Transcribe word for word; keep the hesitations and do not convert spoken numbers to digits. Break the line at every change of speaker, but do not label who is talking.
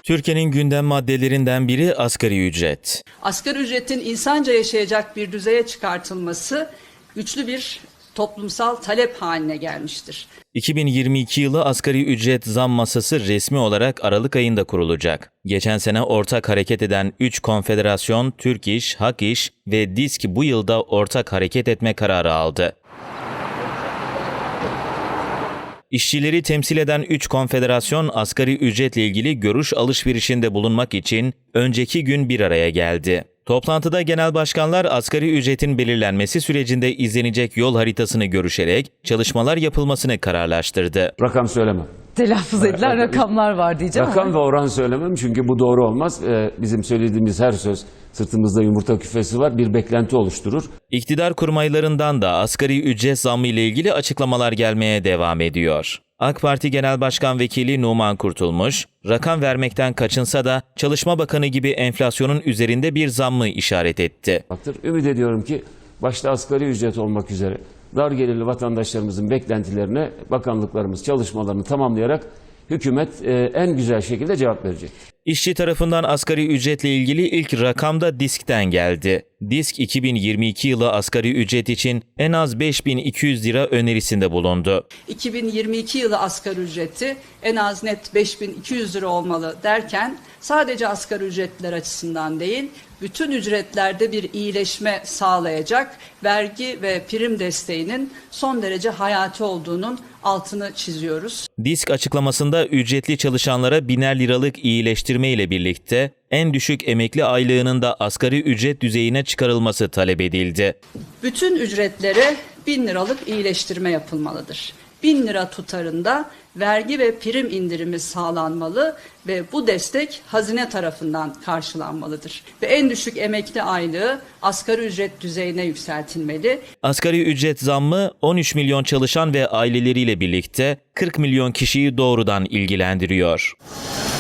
Türkiye'nin gündem maddelerinden biri asgari ücret.
Asgari ücretin insanca yaşayacak bir düzeye çıkartılması güçlü bir toplumsal talep haline gelmiştir.
iki bin yirmi iki yılı asgari ücret zam masası resmi olarak Aralık ayında kurulacak. Geçen sene ortak hareket eden üç konfederasyon Türk İş, Hak İş ve DİSK bu yılda ortak hareket etme kararı aldı. İşçileri temsil eden üç konfederasyon asgari ücretle ilgili görüş alışverişinde bulunmak için önceki gün bir araya geldi. Toplantıda genel başkanlar asgari ücretin belirlenmesi sürecinde izlenecek yol haritasını görüşerek çalışmalar yapılmasını kararlaştırdı.
Rakam söylemem.
Telaffuz edilen rakamlar var diyeceğim
Rakam
ama.
ve oran söylemem çünkü bu doğru olmaz. Ee, bizim söylediğimiz her söz sırtımızda yumurta küfesi var, bir beklenti oluşturur.
İktidar kurmaylarından da asgari ücret zammı ile ilgili açıklamalar gelmeye devam ediyor. AK Parti Genel Başkan Vekili Numan Kurtulmuş, rakam vermekten kaçınsa da Çalışma Bakanı gibi enflasyonun üzerinde bir zammı işaret etti.
Ümit ediyorum ki başta asgari ücret olmak üzere dar gelirli vatandaşlarımızın beklentilerine bakanlıklarımız çalışmalarını tamamlayarak hükümet e, en güzel şekilde cevap verecek.
İşçi tarafından asgari ücretle ilgili ilk rakam da DİSK'ten geldi. DİSK iki bin yirmi iki yılı asgari ücret için en az beş bin iki yüz lira önerisinde bulundu.
iki bin yirmi iki yılı asgari ücreti en az net beş bin iki yüz lira olmalı derken sadece asgari ücretliler açısından değil, bütün ücretlerde bir iyileşme sağlayacak vergi ve prim desteğinin son derece hayati olduğunun altını çiziyoruz.
DİSK açıklamasında ücretli çalışanlara biner liralık iyileştirme ile birlikte en düşük emekli aylığının da asgari ücret düzeyine çıkarılması talep edildi.
Bütün ücretlere bin liralık iyileştirme yapılmalıdır. bin lira tutarında vergi ve prim indirimi sağlanmalı ve bu destek hazine tarafından karşılanmalıdır. Ve en düşük emekli aylığı asgari ücret düzeyine yükseltilmeli.
Asgari ücret zammı on üç milyon çalışan ve aileleriyle birlikte kırk milyon kişiyi doğrudan ilgilendiriyor.